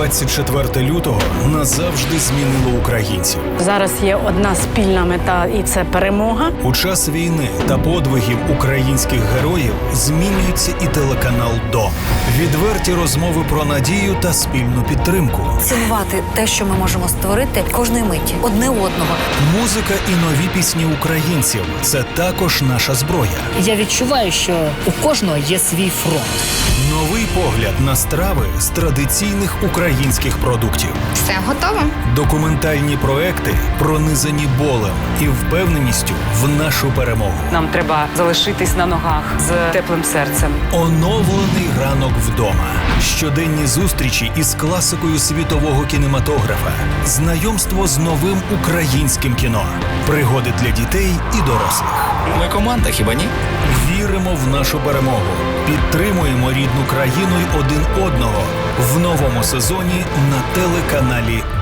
24 лютого назавжди змінило українців. Зараз є одна спільна мета, і це перемога. У час війни та подвигів українських героїв змінюється і телеканал «Дом». Відверті розмови про надію та спільну підтримку. Цінувати те, що ми можемо створити кожної миті, одне одного. Музика і нові пісні українців – це також наша зброя. Я відчуваю, що у кожного є свій фронт. Новий погляд на страви з традиційних українських продуктів. Все готово. Документальні проекти, пронизані болем і впевненістю в нашу перемогу. Нам треба залишитись на ногах з теплим серцем. Оновлений ранок вдома. Щоденні зустрічі із класикою світового кінематографа. Знайомство з новим українським кіно. Пригоди для дітей і дорослих. Ми команда, хіба ні? Віримо в нашу перемогу. Підтримуємо рідну країну й один одного в новому сезоні на телеканалі